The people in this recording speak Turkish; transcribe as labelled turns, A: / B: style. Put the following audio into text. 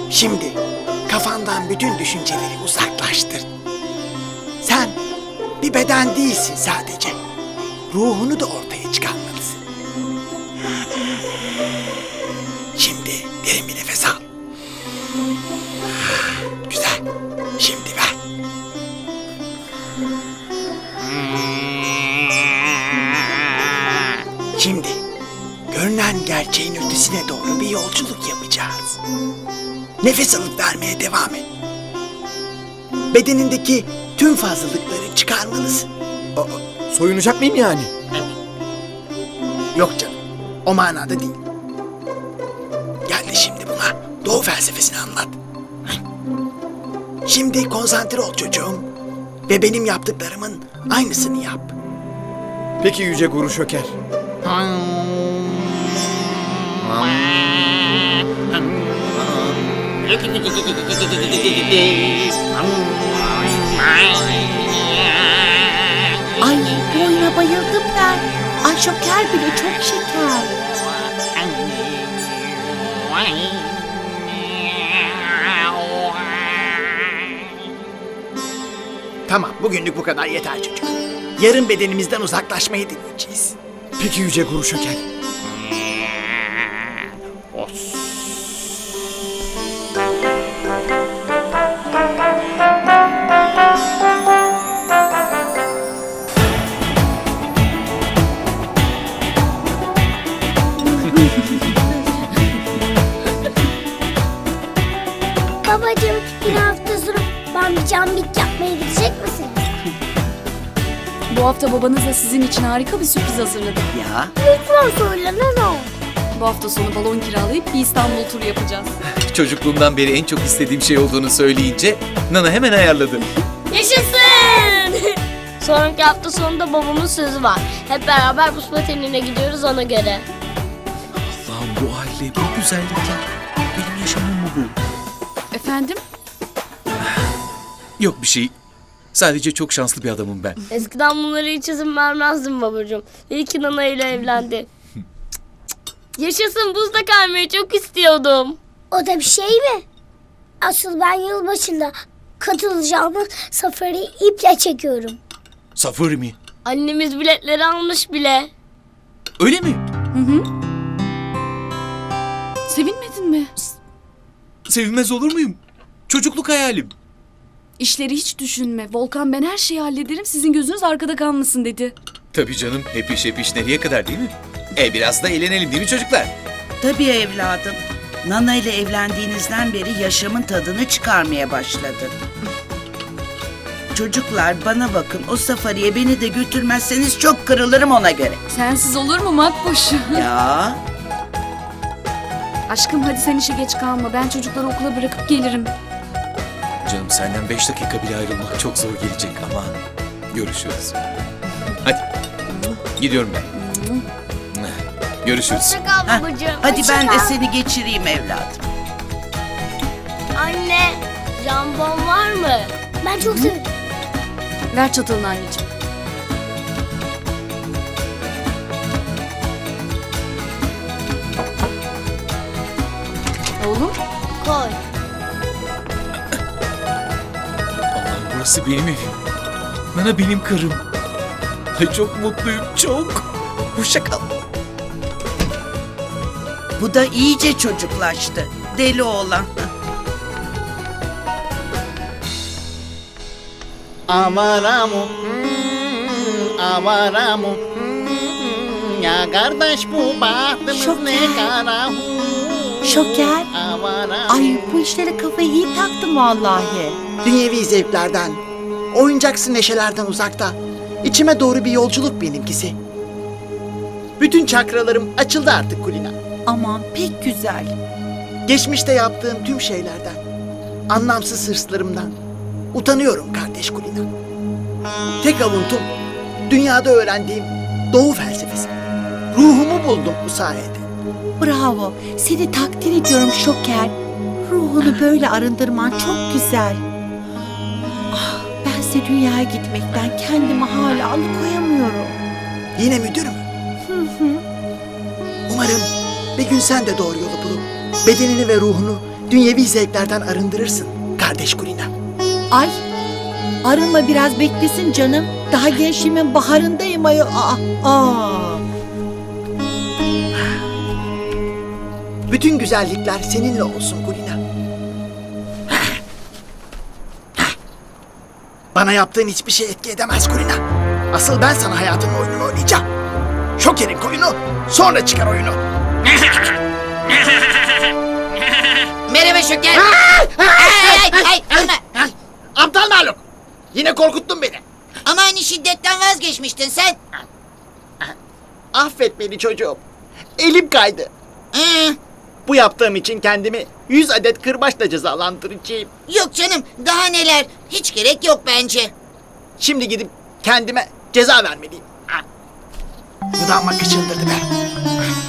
A: Şimdi kafandan bütün düşünceleri uzaklaştır. Sen bir beden değilsin sadece. Ruhunu da ortaya çıkarmalısın. Şimdi derin bir nefes al. Güzel. Şimdi ver. Şimdi görünen gerçeğin ötesine doğru bir yolculuk yapacağız. Nefes alıp vermeye devam et. Bedenindeki tüm fazlalıkları çıkarmalısın.
B: Soyunacak mıyım yani?
A: Yok canım, o manada değil. Gel de şimdi buna Doğu felsefesini anlat. Şimdi konsantre ol çocuğum. Ve benim yaptıklarımın aynısını yap.
B: Peki Yüce Guru Şöker.
C: Ay bu oyuna bayıldım ben. Ay Şoker bile çok şeker.
A: Tamam, bugünlük bu kadar yeter çocuk. Yarın bedenimizden uzaklaşmayı deneyeceğiz.
B: Peki Yüce Guru Şöker.
D: Babacığım, bir hafta sonra bana cambik yapmaya gidecek misin?
E: Bu hafta babanız da sizin için harika bir sürpriz hazırladı.
C: Ya
D: Lütfen söyle ne olur.
E: Bu hafta sonu balon kiralayıp bir İstanbul turu yapacağız.
F: Çocukluğumdan beri en çok istediğim şey olduğunu söyleyince Nana hemen ayarladı.
D: Yaşasın! Sonraki hafta sonunda babamın sözü var. Hep beraber buz patenine gidiyoruz ona göre.
F: Allah'ım bu aile, bu güzellikler. Benim yaşamım mı bu?
E: Efendim?
F: Yok bir şey. Sadece çok şanslı bir adamım ben.
D: Eskiden bunları hiç izin vermezdim babacığım. İyi ki Nana ile evlendi. Yaşasın, buzda kaymayı çok istiyordum.
G: O da bir şey mi? Asıl ben yılbaşında katılacağımız safari iple çekiyorum.
F: Safari mi?
D: Annemiz biletleri almış bile.
F: Öyle mi?
E: Sevinmedin mi?
F: Sevinmez olur muyum? Çocukluk hayalim.
E: İşleri hiç düşünme. Volkan ben her şeyi hallederim. Sizin gözünüz arkada kalmasın dedi.
F: Tabii canım, hep iş nereye kadar değil mi? Biraz da eğlenelim değil mi çocuklar?
C: tabii evladım. Nana ile evlendiğinizden beri yaşamın tadını çıkarmaya başladın. Çocuklar bana bakın, o safariye beni de götürmezseniz çok kırılırım ona göre.
E: Sensiz olur mu Makbuş?
C: Ya
E: Aşkım hadi sen işe geç kalma. Ben çocukları okula bırakıp gelirim.
F: Canım senden 5 dakika bile ayrılmak çok zor gelecek ama görüşürüz. Hadi. Gidiyorum ben. Görüşürüz.
D: Hoşça kal
C: heh,
D: babacığım.
C: hadi
D: Hoşça
C: ben de
D: kal.
C: seni geçireyim evladım.
D: Anne, jambon var mı?
G: Ben çok seviyorum.
E: Ver çatalını anneciğim. Oğlum.
D: Koy.
F: Allah'ım burası benim evim. Nana benim karım. Ay çok mutluyum, çok. Hoşça kal.
C: Bu da iyice çocuklaştı. Deli oğlan.
H: Avaramu, avaramu. Ya kardeş bu bahtımız
C: Şoker.
H: ne kara.
C: Şoker.
H: Avaramu.
C: Ay bu işlere kafayı iyi taktım vallahi.
A: Dünyevi zevklerden, oyuncaksı neşelerden uzakta. İçime doğru bir yolculuk benimkisi. Bütün çakralarım açıldı artık Kulina.
C: Aman pek güzel.
A: Geçmişte yaptığım tüm şeylerden, anlamsız hırslarımdan utanıyorum kardeş Kulina. Tek avuntum dünyada öğrendiğim Doğu felsefesi. Ruhumu buldum bu sayede.
I: Bravo. Seni takdir ediyorum Şoker. Ruhunu böyle arındırman çok güzel. Ah, bense dünyaya gitmekten kendimi hala alıkoyamıyorum.
A: Yine müdür mü? Umarım bir gün sen de doğru yolu bulup bedenini ve ruhunu dünyevi zevklerden arındırırsın kardeş Kulina.
I: Ay, arınma biraz beklesin canım. Daha gençliğimin baharındayım ayol.
A: Bütün güzellikler seninle olsun Kulina. Bana yaptığın hiçbir şey etki edemez Kulina. Asıl ben sana hayatının oyununu oynayacağım. Şoker'in koyunu, sonra çıkar oyunu.
J: Merhaba Şoker. Ölme.
A: Aptal maluk. Yine korkuttun beni.
J: Ama hani şiddetten vazgeçmiştin sen.
A: Affet beni çocuğum. Elim kaydı. Bu yaptığım için kendimi 100 adet kırbaçla cezalandıracağım.
J: Yok canım, daha neler. Hiç gerek yok bence.
A: Şimdi gidip kendime ceza vermeliyim. Bu da amma kıçındırdı be.